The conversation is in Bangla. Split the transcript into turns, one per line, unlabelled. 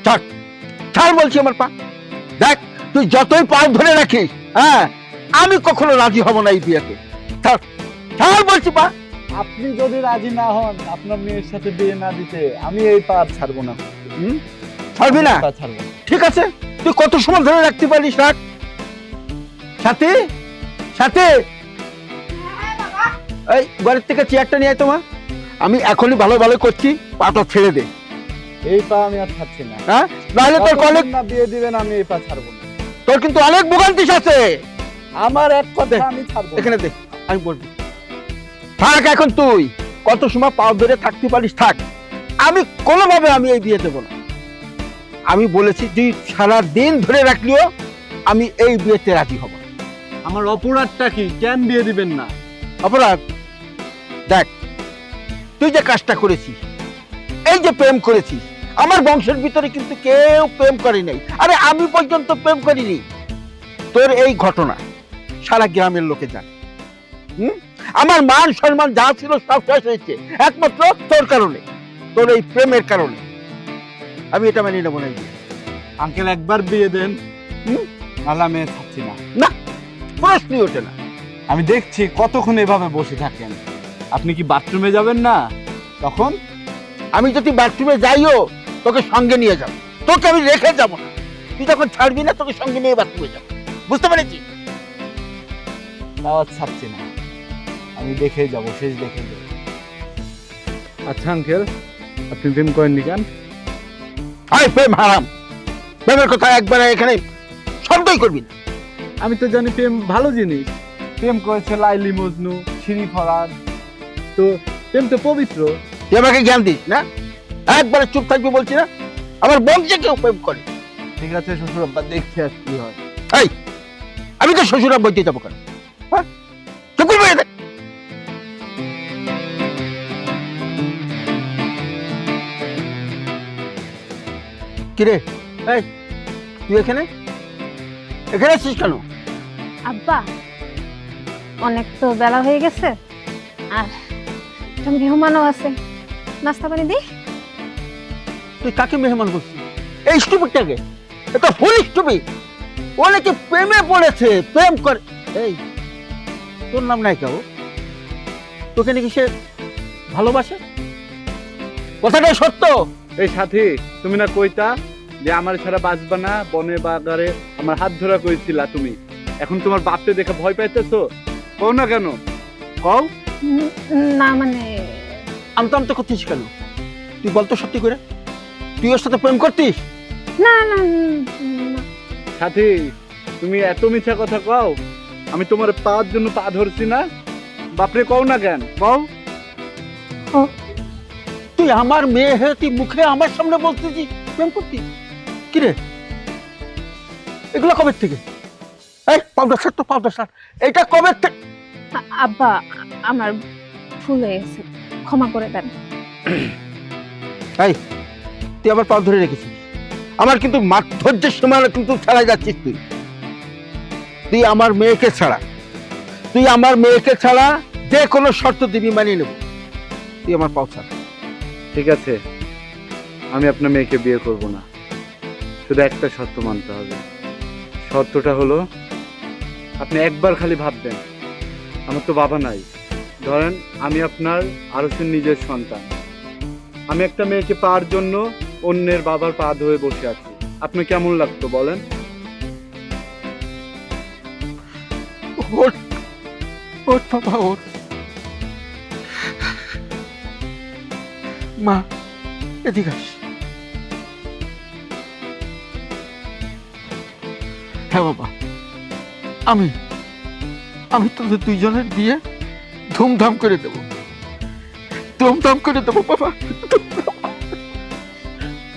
ছাড়, ছাড় বলছি আমার পা। দেখ, তুই যতই পা ধরে রাখিস, হ্যাঁ, আমি কখনো রাজি হব না এই বিয়েতে। ছাড়, ছাড় বলছি পা।
আপনি যদি রাজি না হন আপনার মেয়ের সাথে বিয়ে না দিতে, আমি এই পা আর ছাড়বো না।
ছাড়বি না?
পা ছাড়বো না।
ঠিক আছে, তুই কত সময় ধরে রাখতে পারিস রাখ। সাথী, সাথী, এই ঘরের থেকে চেয়ারটা নিয়ে আয় তোমার। আমি এখনই ভালো ভালো করছি, পাটা ছেড়ে দে।
এই পা আমি আর ছাড়ছি না।
হ্যাঁ, নাহলে তোর
যতক্ষণ
কলেজ,
না বিয়ে দিবেন আমি এই পা ছাড়বো না।
তোর কিন্তু অনেক ভোগান্তিস আছে।
আমার এক কথা আমি ছাড়বো না।
এখানে দে, আমি বলবো। থাক এখন, তুই কত সময় পাও ধরে থাকতে পারিস থাক। আমি কোনোভাবে আমি এই বিয়ে দেবো না। আমি বলেছি তুই সারা দিন ধরে রাখলেও আমি এই বিয়েতে রাজি হব না।
আমার অপরাধটা কি? কেন বিয়ে দিবেন না?
অপরাধ? দেখ, তুই যে কাজটা করেছিস, এই যে প্রেম করেছিস, আমার বংশের ভিতরে কিন্তু কেউ প্রেম করে নাই। আরে আমি পর্যন্ত প্রেম করিনি। তোর এই ঘটনা সারা গ্রামের লোকে জানে। আমার মান সম্মান যা ছিল সব শেষ হয়েছে একমাত্র তোর কারণে, তোর এই প্রেমের কারণে। আমি এটা মেনে নেবো না।
আঙ্কেল একবার বিয়ে দেন, নাহলে আমি থাকছি না।
না, প্রশ্নই ওঠে না।
আমি দেখছি কতক্ষণ এভাবে বসে থাকেন। আপনি কি বাথরুমে যাবেন না? তখন
আমি যদি বাথরুমে যাইও তোকে সঙ্গে নিয়ে যাবো, তোকে আমি রেখে যাবো না। তুই যখন ছাড়বি না তোকে সঙ্গে নিয়ে বাথরুমে যাবো, বুঝতে পেরেছি?
তাও আর ছাড়ছি না, আমি দেখেই যাবো, শেষ দেখেই যাবো। আচ্ছা আঙ্কেল, আপনি প্রেম করেননি কেন?
আয়, প্রেম হারাম। প্রেমের কথা একবার এখানে শব্দই করবি না।
আমি তো জানি প্রেম ভালো জিনিস। প্রেম করেছে লাইলি মজনু, শিরি ফরাদ, তো প্রেম তো পবিত্র।
তুই আমাকে জ্ঞান দিস না, একবারে চুপ থাকবি বলছি না। আমার বংশে কেউ প্রেম করে।
ঠিক আছে শ্বশুর আব্বা, দেখছি আর কি হয়।
এই, আমি তো শ্বশুরা বইতে যাবো কেন? হ্যাঁ, চুপ করে বসে থাক। কিরে, এই তুই এখানে এখানে আছিস কেন?
আব্বা, অনেক তো বেলা হয়ে গেছে, আর একটা মেহমানও আছে, নাস্তা পানি দি।
তুই কাকে মেহমান করছিস? এই স্টুপিডটাকে? এটা ফুল স্টুপিড। ও নাকি প্রেমে পড়েছে, প্রেম করে। এই, তোর নাম নাই কেউ? তোকে নাকি সে ভালোবাসে? কথাটাই সত্য?
এই সাথী, তুমি না কইতা যে আমার ছাড়া বাঁচবা না, বনে বাগারে আমার হাত ধরা কইছিলা তুমি। এখন তোমার বাপকে দেখে ভয় পাইতেছো? কও না কেন, কও।
না মানে,
আমতা আমতা করতিস কেন? তুই বলতো সত্যি করে, তুই ওর সাথে প্রেম করতিস?
না না না।
সাথী, তুমি এত মিথ্যা কথা কও। আমি তোমার পাওয়ার জন্য পা ধরছি না, বাপরে কও না কেন, কও।
তুই আমার মেয়ে হয়ে তুই মুখে আমার সামনে বলতেছিস প্রেম করতিস? কিরে, এগুলো কবে থেকে? এই পাউডার শার্ট, তো পাউডার শার্ট, এটা কবে থেকে?
আব্বা, আমার ভুল হয়ে গেছে, ক্ষমা করে দেন।
এই, তুই আবার পা ধরে রেখেছিস। আমার কিন্তু ধৈর্যের সীমা কিন্তু ছাড়াই যাচ্ছিস তুই। তুই আমার মেয়েকে ছাড়া, তুই আমার মেয়েকে ছাড়া যে কোনো শর্ত দিবি মানিয়ে নেব। তুই আমার পাও ছাড়।
ঠিক আছে, আমি আপনার মেয়েকে বিয়ে করব না, শুধু একটা শর্ত মানতে হবে। শর্তটা হলো, আপনি একবার খালি ভাববেন, আমার তো বাবা নাই, ধরেন আমি আপনার আরসের নিজের সন্তান, আমি একটা মেয়েকে পাওয়ার জন্য অন্যের বাবার পা ধরে বসে আছি, আপনার কেমন লাগতো বলেন?
ওঠ, ওঠ বাবা, ওঠ। মা, এদিকে আস। হ্যাঁ বাবা, আমি তোদের দুইজনের বিয়ে ধুমধাম করে দেবো, ধুমধাম করে দেবো বাবা।